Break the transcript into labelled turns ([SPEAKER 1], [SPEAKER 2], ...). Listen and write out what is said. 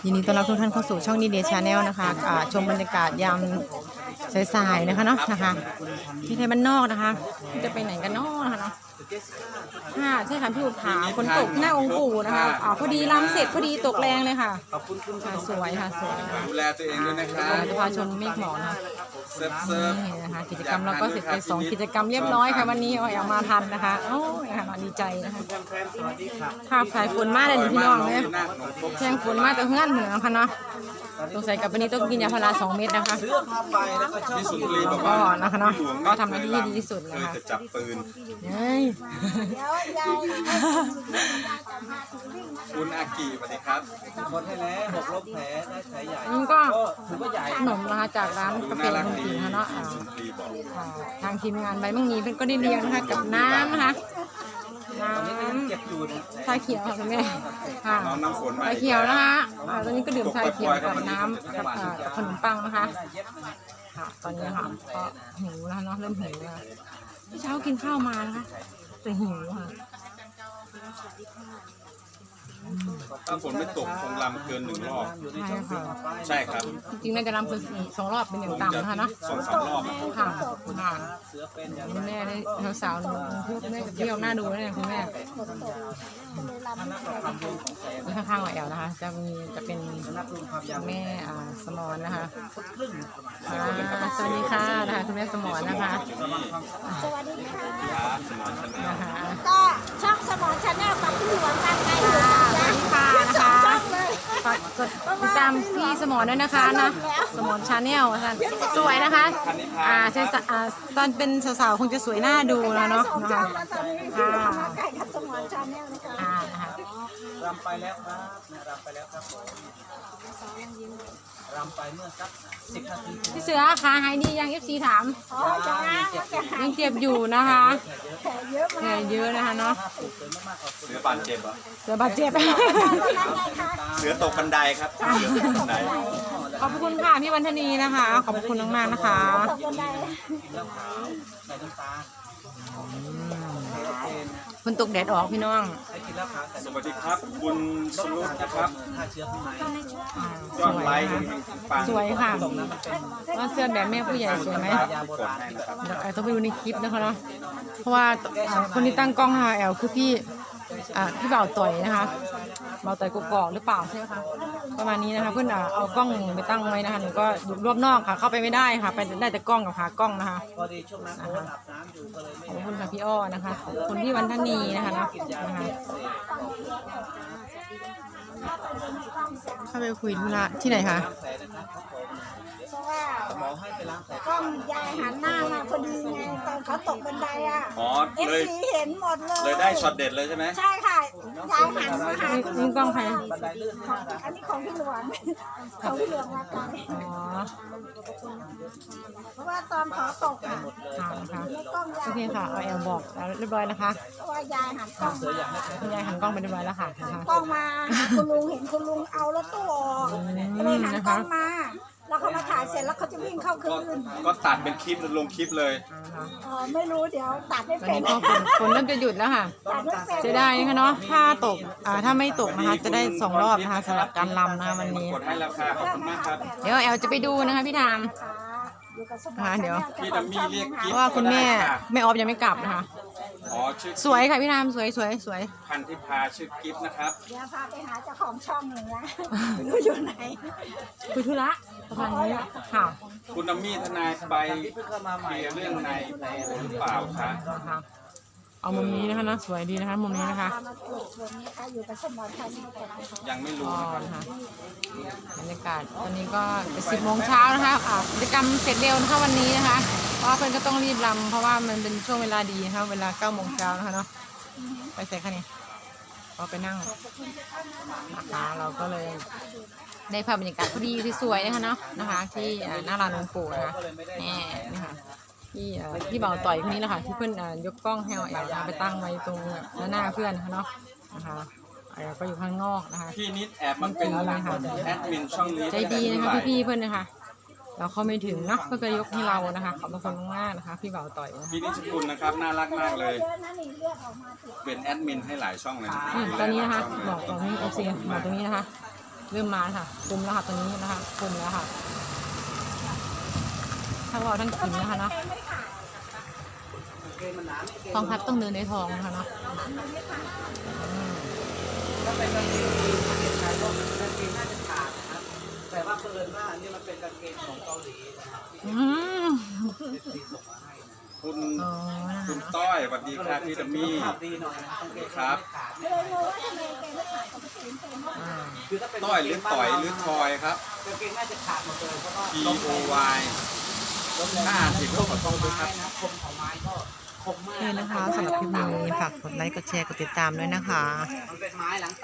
[SPEAKER 1] ยินดีต้อนรับทุกท่านเข้าสู่ช่องดีเดย์ชาแนลนะคะชมบรรยากาศยามสายๆนะคะเนาะนะคะที่ไทยบ้านนอกนะคะจะไปไหนกันเนาะนะคะเนาะใช่ค่ะพี่อุทาฝนตกหน้าองค์ปู่นะคะพอดีรำเสร็จพอดีตกแรงเลยค่ะสวยค่ะสวย
[SPEAKER 2] ดูแลตัวเองด้วยนะครับ
[SPEAKER 1] จะพาชมเมฆหมอกนะคะ
[SPEAKER 2] เซิร์ฟ
[SPEAKER 1] นี่นะคะกิจกรรมเราก็เสร็จไป2กิจกรรมเรียบร้อยค่ะวันนี้เอามาทันนะคะโอ้ยค่ะดีใจนะคะภาพสายฝนมากเลยพี่น้องเนี่ยแข่งฝนมากแต่เฮือนเหมือนกันเนาะสงสัยกับวันนี้ต้องกินยาพารา2 เม็ดนะคะ
[SPEAKER 2] พี่สุนทรีบอก
[SPEAKER 1] ก็
[SPEAKER 2] ว่า
[SPEAKER 1] นะคะเนาะก็ทำหน้าที่ดีที่สุด
[SPEAKER 2] เค
[SPEAKER 1] นะ
[SPEAKER 2] ย
[SPEAKER 1] คะ
[SPEAKER 2] จะจับปืน
[SPEAKER 1] เฮ้ย
[SPEAKER 2] คุณอากิสวัสดีครับ
[SPEAKER 3] คนให้แล้วหกลบแผลได้แผลใหญ่
[SPEAKER 1] นี่ก็
[SPEAKER 3] ถือว่าใหญ่
[SPEAKER 1] ขนมนะคะจากร้านกาแฟ
[SPEAKER 2] น่ารัก
[SPEAKER 1] คน
[SPEAKER 2] ดี
[SPEAKER 1] จีนเนาะ
[SPEAKER 2] สุนทรีบอก
[SPEAKER 1] ทางทีมงานใบมังมีเพื่อนก็ได้เลี้ยงนะคะกับน้ำนะคะน้
[SPEAKER 3] เจ็บอยู่นะ
[SPEAKER 1] ำชาเขียวค่ะคุณแม่ค่ะ
[SPEAKER 2] น้องน้ำฝนมา
[SPEAKER 1] ชาเขียวนะคะตอนนี้ก็ดื่มชาเขียวกับน้ำกับขนมปังนะคะค่ะตอนนี้ค่ะก็หิวแล้วเนาะเริ่มหิวแล้วเช้ากินข้าวมานะคะแต่หิวค่ะ
[SPEAKER 2] ถ้าฝนไม่ตกคงลำเกิน1 รอบ
[SPEAKER 1] ใช่ค่ะ
[SPEAKER 2] ใช่ครับ
[SPEAKER 1] จริงๆน่าจะรำเป็น2 รอบเป็นอย่างต่ำนะคะเนาะ
[SPEAKER 2] 2-3 รอบ
[SPEAKER 1] ค่ะค่ะ
[SPEAKER 3] เสือเป็นอย่าง
[SPEAKER 1] คุณแม่ได้สาวๆหนูคุณแม่เที่ยวหน้าดูนะเนี่ยคุณแม่นี่ข้างๆหลังแอลนะคะจะเป็น
[SPEAKER 3] นับรวมความยาว
[SPEAKER 1] แม่สมรนะคะสวัสดีค่ะนะคะคุณแม่สมรนะคะ
[SPEAKER 4] สวัสดีค่ะ
[SPEAKER 2] ครับสมอนชาแนล
[SPEAKER 1] นะคะ
[SPEAKER 4] ก็ช่องสมอนชาแนลกับพี่หลวงกันไงอยู่
[SPEAKER 1] สวัสดีค่ะนะคะฝากกดติดตามพี่สมรด้วยนะคะนะสมรชาแนลค่ะสวยนะคะตอนเป็นสาวๆคงจะสวยหน้าดูแล้วเนาะนะคะ
[SPEAKER 4] ค่ะใกล้กับสมอนชาแนลนะคะ
[SPEAKER 1] นะคะ
[SPEAKER 3] รำไปแล้วครับรำไปแล้วครับผมรำไปเมื่อสัก10 นาที
[SPEAKER 1] พี่เสือขาหายดียัง FC ถาม
[SPEAKER 4] อ๋อจ้าจะหา
[SPEAKER 1] ยังเจ็บอยู่นะคะ
[SPEAKER 4] แผลเยอะ
[SPEAKER 1] แผล
[SPEAKER 4] มาก
[SPEAKER 1] เยอะนะคะเนาะ
[SPEAKER 2] เสือบาดเจ็บเหรอ
[SPEAKER 1] เสือบาดเจ็บ
[SPEAKER 4] ตอนนั้นไงคะ
[SPEAKER 2] เสือตกบันไดครับเสือตกบันได
[SPEAKER 1] ขอบคุณค่ะพี่วันธนีนะคะ ขอบคุณมากๆนะคะ
[SPEAKER 4] ตกบันได
[SPEAKER 3] กินแล้วขาวใส่น้ำตาลโอเคนะ
[SPEAKER 1] คุณตกแดดออกพี่น้อง
[SPEAKER 3] ให้กินแล้วขาวใส่
[SPEAKER 2] สวัสดีครับ คุณสรุปนะครับ
[SPEAKER 3] ถ้าเชื้อข้างใน
[SPEAKER 2] ยอดไลค์ปัง
[SPEAKER 1] สวยค่ะ
[SPEAKER 3] ตรงนั้นมันเป็น
[SPEAKER 1] ว่าเสื้อแบบแม่ผู้ใหญ่สวยไหม
[SPEAKER 3] ยาโบราณที่
[SPEAKER 1] เดี๋ยวแอลต้องไปดูในคลิปนะคะเนาะเพราะว่าคนที่ตั้งกล้องนะคะแอลคือพี่บ่าวต่อยนะคะบ่าวต่อยกกอกหรือเปล่าใช่ไหมคะประมาณนี้นะคะเพื่อนเอากล้องไปตั้งไว้นะคะหนูก็อยู่รอบนอกค่ะเข้าไปไม่ได้ค่ะไปได้แต่กล้องกับหากล้องนะคะ
[SPEAKER 3] พอดีช่วงนั้นโค้ชอาบน้ำอยู่ก็เลยไม่
[SPEAKER 1] ขอบคุณค่ะพี่อ้อนะคะขอบคุณพี่วันธนีนะคะเนาะนะคะเข้าไปคุยธุระที่ไหนคะ
[SPEAKER 3] แผลนะครับผม
[SPEAKER 4] เพราะว่า
[SPEAKER 3] หมอให้ไปล้างแผล
[SPEAKER 4] กล้องยายหันหน้ามาพอดีไงตอนเขาตกบันไดอ่ะ
[SPEAKER 2] อ๋อ
[SPEAKER 4] เอฟ
[SPEAKER 2] เลย
[SPEAKER 4] ซีเห็นหมดเลย
[SPEAKER 2] เลยได้ช็อตเด็ดเลยใช่ไหม
[SPEAKER 4] ใช่ค่ะยายหันมาหาคุณ
[SPEAKER 1] นี่กล้องใคร
[SPEAKER 3] บันไดลื่น
[SPEAKER 4] ของอันนี้ของพี่หลวงของพี่หลวงมาไกล
[SPEAKER 1] อ๋อ
[SPEAKER 4] เพราะว่าตอนเขาตกอ่ะ
[SPEAKER 1] ค่ะค่ะ
[SPEAKER 4] ในกล้องยา
[SPEAKER 1] โอย เคค่ะเอาแอลบอกแล้วเรียบร้อยนะคะ
[SPEAKER 4] เพราะว่ายายหันกล้องมา
[SPEAKER 1] คุณยายหันกล้องไปเรียบร้อยแล้วค่ะนะคะ
[SPEAKER 4] กล้องมาหาคุณลุงเห็นคุณลุงเอารถตู้ออกก็เลยหันกล้องมา แล้วเขามาถ่ายเสร็จแล้วเขาจะวิ่งเข้าคื
[SPEAKER 2] ก็
[SPEAKER 4] น
[SPEAKER 2] ก็ตัดเป็นคลิปลงคลิปเลย
[SPEAKER 4] ไม่รู้เดี๋ยวตัดไม่
[SPEAKER 1] ตอน
[SPEAKER 4] เป็น
[SPEAKER 1] นี้ก็ฝนเริ่มจะหยุดแล้วค่ะ
[SPEAKER 4] ตัดไม่เป็น
[SPEAKER 1] จะได้นะคะเนาะถ้าตกถ้าไม่ตกนะคะจะได้2 รอบนะคะสำหรับการลำนะคะวันนี้
[SPEAKER 2] กดให้ราคาขอบคุณมากครับ
[SPEAKER 1] เดี๋ยวแอลจะไปดูนะคะพี่ทาม
[SPEAKER 4] อยู่กับสม
[SPEAKER 1] เดี๋ยว
[SPEAKER 2] พี่ดัมมี่เรียก
[SPEAKER 1] เพ
[SPEAKER 2] กิ๊บ
[SPEAKER 1] ราะว่าคุณแม่แม่ออฟยังไม่กลับนะคะ
[SPEAKER 2] อ๋อชื่อ
[SPEAKER 1] สวยค่ะพี่ทามสวยสวยสวย
[SPEAKER 2] พันธิพาชื่อกิ๊บนะครับ
[SPEAKER 4] เดี๋ยวพาไปหาเจ้าของช่องหนึ่งนะไม่รู้อยู่ไหน
[SPEAKER 1] คุยธุระประมาณนี้ค่ะ
[SPEAKER 2] คุณดัมมี่ทนายไปเคลียร์เรื่องในหรือเปล่าคะ
[SPEAKER 1] นะคะเอามุมนี้นะคะนะสวยดีนะคะมุมนี้นะคะ
[SPEAKER 4] พามาปลูกสวนนะคะอยู่กับสมอนชัยนี่ก่อนนะคะ
[SPEAKER 2] ยังไม่รู้
[SPEAKER 1] อ๋อ
[SPEAKER 2] นะครับ
[SPEAKER 1] นะคะบรรยากาศตอนนี้ก็10 โมงเช้านะคะกิจกรรมเสร็จเร็วนะคะวันนี้นะคะเพราะว่าเพื่อนก็ต้องรีบรำเพราะว่ามันเป็นช่วงเวลาดีนะคะเวลา9 โมงเช้านะคะเนาะไปเสร็จค่ะนี่ก็ไปนั่งนะคะเราก็เลยได้ภาพบรรยากาศพอดีที่สวยนะคะเนาะนะคะที่หน้าร้านหลวงปู่นะคะนี่นะคะที่บ่าวต่อยคนนี้แหละค่ะที่เพื่อนยกกล้องให้แอลไปตั้งไว้ตรงหน้าเพื่อนนะคะเนาะนะคะแอลก็อยู่ข้างนอกนะคะ
[SPEAKER 2] พี่นิดแอบมันเป็นแอดมินช่องนี้
[SPEAKER 1] ใจดีนะคะพี่ๆเพื่อนนะคะ เราเข้าไม่ถึงเนาะก็จะยกให้เรานะคะขอบคุณมากๆนะคะ พี่บ่าวต่อยนะคะ
[SPEAKER 2] พี่นิชกุลนะครับน่ารักมากเลย
[SPEAKER 4] เยอะนะนี่เลือดออกมาถึง
[SPEAKER 2] เป็นแอดมินให้หลายช่องเลยนะ
[SPEAKER 1] ตอนนี้นะคะบอกตรงนี้โอเคบอกตรงนี้นะคะเริ่มมาค่ะคุมแล้วค่ะตรงนี้นะคะคุมแล้วค่ะทั้งเราทั้งกินนะคะเนาะ
[SPEAKER 3] เกงมันหนาไม่เกง
[SPEAKER 1] ทองพัดต้องเดินในทองนะคะเนาะ
[SPEAKER 3] ถ้าเป็นกางเกงยีนประเทศไทยก็กางเกงน่าจะขาดนะครับแต่ว่าเพิ่นว่าอันนี้มันเป็นกางเกงของเกาหลีนะครับที่
[SPEAKER 1] อืม
[SPEAKER 3] ที่ส่งมาให้นะ
[SPEAKER 2] คุณ
[SPEAKER 1] อ๋อนะคะ
[SPEAKER 2] คุณ
[SPEAKER 1] เนาะ
[SPEAKER 2] ต้อยสวัสดีครับพี่ดัมมี่
[SPEAKER 3] ภาพดีหน่อยนะกางเกง
[SPEAKER 2] ครับ
[SPEAKER 3] ไม่ขาด
[SPEAKER 4] เลยงงว่าทำไมแกไม่ขายของคนอื่นเป็นเพราะ
[SPEAKER 1] อ่า
[SPEAKER 3] คือถ้าเป็น
[SPEAKER 2] ต้อยหรือต่อยหรือทอยครับ
[SPEAKER 3] กางเกงน่าจะขาดหมดเลยเพราะว่า
[SPEAKER 2] T O Y ถ้าอ่านผิดก็ขอโทษด้วยครับ
[SPEAKER 3] นะคมของไม้ก็คมมาก
[SPEAKER 1] นี่นะคะสำหรับคลิปนี้ฝากกดไลค์กดแชร์กดติดตามด้วยนะคะ
[SPEAKER 3] มันเป็นไม้หลัง